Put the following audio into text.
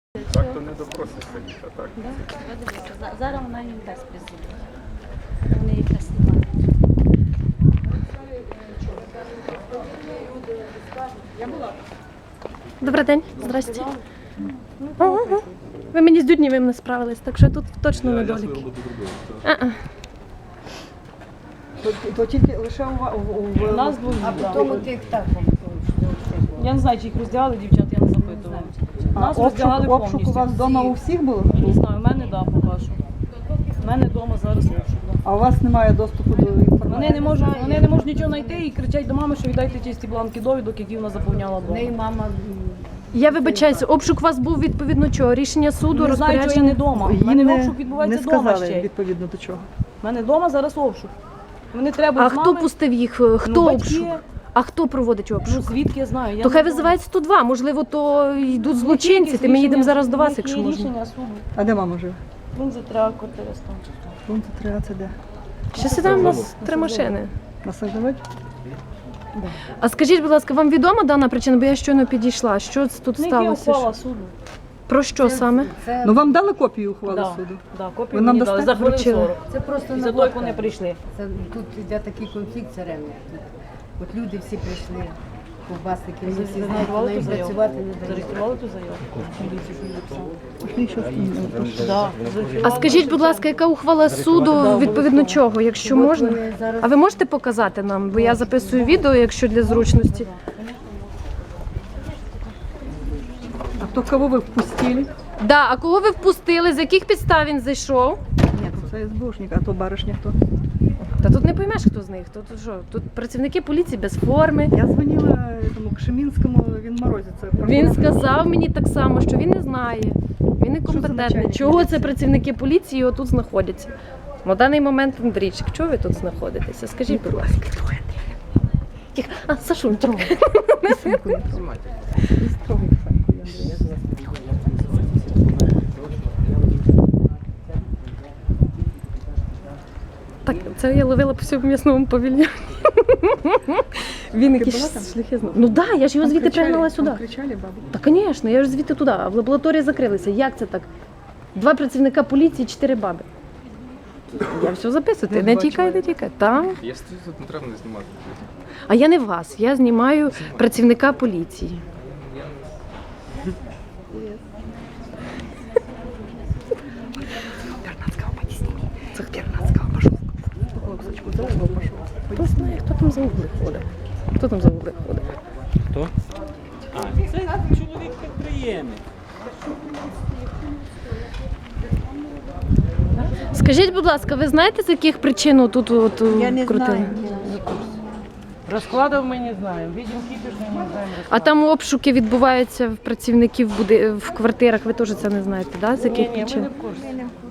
Так то не допросишся літа, так? Зараз вона їм дасть присутні. Вони їх дасть знімати. Добрий день, здрасте. Ага. Ви мені з Дуднєвим не справились, так що тут точно недоліки. То тільки лише у Нас двох А тому тих так. Я не знаю, чи їх роздягали дівчат, я не запитувала. Нас роздягали обшук у повністю. вас вдома у всіх було? Не знаю, в мене да, поки що. В мене вдома зараз обшук. Да. А у вас немає доступу до інформації? Вони не можуть нічого знайти і кричать до мами, що віддайте ті бланки довідок, які вона заповняла В неї вдома. мама Я вибачаюся, обшук у вас був відповідно чого? Рішення суду, Не знаю, чого я не вдома. У Їм мене обшук відбувається не вдома сказали ще. відповідно до чого. У мене вдома зараз обшук. Вони треба А з хто мами. пустив їх? Хто Ну, батьки. обшук? А хто проводить Ну обшук? звідки я знаю? Я То не хай знаю. визивають 102, можливо, то йдуть злочинці, Якісь ми їдемо рішення- зараз до вас, які якщо можна. рішення суду. А де мама живе? Він затримав квартиру там. Пункт 13 де? Ще сідаємо, у нас 3 машини. На Саждавець? А скажіть, будь ласка, вам відома дана причина, бо я щойно підійшла. Що це тут В них є сталося? ухвала суду. Про що саме? це, Ну вам дали копію ухвали Да, суду? да, Ви копію нам мені дали дасте? за хвилин Вручили. 40. це просто І за той, як вони прийшли. Це тут йде такий конфлікт все время. От люди всі прийшли, ковбасники, вони всі знають, Зареєстрували вона їм ту заяву? працювати не дають. Зареєстрували ту заяву? Міліцію, що він написав. Що Да, А зареєстрували. скажіть, будь ласка, яка ухвала суду відповідно чого, якщо От можна? вони зараз- А ви можете показати нам, бо я записую відео, якщо для зручності. А то кого ви впустили? Да, а кого ви впустили? З яких підстав він зайшов? Ні, це СБУшник, а то баришня хто? Та тут не поймеш, хто з них. Тут що? Тут працівники поліції без форми. Я дзвонила тому Кшемінському, він морозиться. Він сказав мені так само, що він не знає. Він некомпетентний. начальник Чого поліції? це працівники поліції тут знаходяться? На даний момент Андрійчик, чого ви тут знаходитеся? Скажіть, будь ласка. Тихо. А, Сашу, не трогай. Не строгай, Саньку, Так, це я ловила по всьому м'ясному павільйоні. Він була якийсь там? шляхи знав. Ну так, да, я ж його звідти пригнала сюди. Кричали, бабу? Та, звісно, я ж звідти туди, а в лабораторії закрилися. Як це так? 2 працівника поліції, 4 баби. Я все записую, ти не тікай, не тікай. Там. Я стою тут, не треба не знімати. А я не вас, я знімаю працівника поліції. Це 14-го пішов. Хлопчичку, за угол пішов. Хто знає, хто там за угли ходить? Хто там за угли ходить? Хто? А, це чоловік підприємець. Скажіть, будь ласка, ви знаєте, з яких причин тут от, крутили? Розкладів ми не знаємо. Відділ кіпішний ми знаємо. А там обшуки відбуваються в працівників в квартирах, ви теж це не знаєте, да? З яких Ні, ми причин? не в курсі.